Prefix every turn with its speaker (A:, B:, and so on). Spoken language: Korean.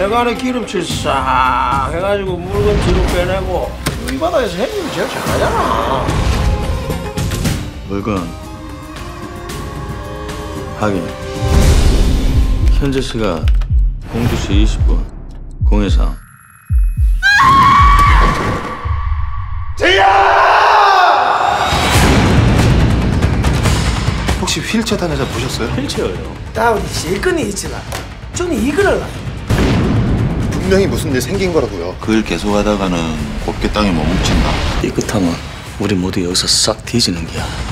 A: 배관에 기름칠 싹 해가지고 물건 뒤로 빼내고 이 바닥에서 형님이 제일 잘하잖아.
B: 물건 확인. 현재 시각 02시 20분 013.
C: 혹시 휠체어 탄 여자 보셨어요?
B: 휠체어요.
A: 다운이 실컷이 있지만 좀 이거를
C: 분명히 무슨 일 생긴 거라고요.
D: 그 일 계속하다가는 곱게 땅에 못 묻힌다.
B: 삐끗하면 우리 모두 여기서 싹 뒤지는 거야.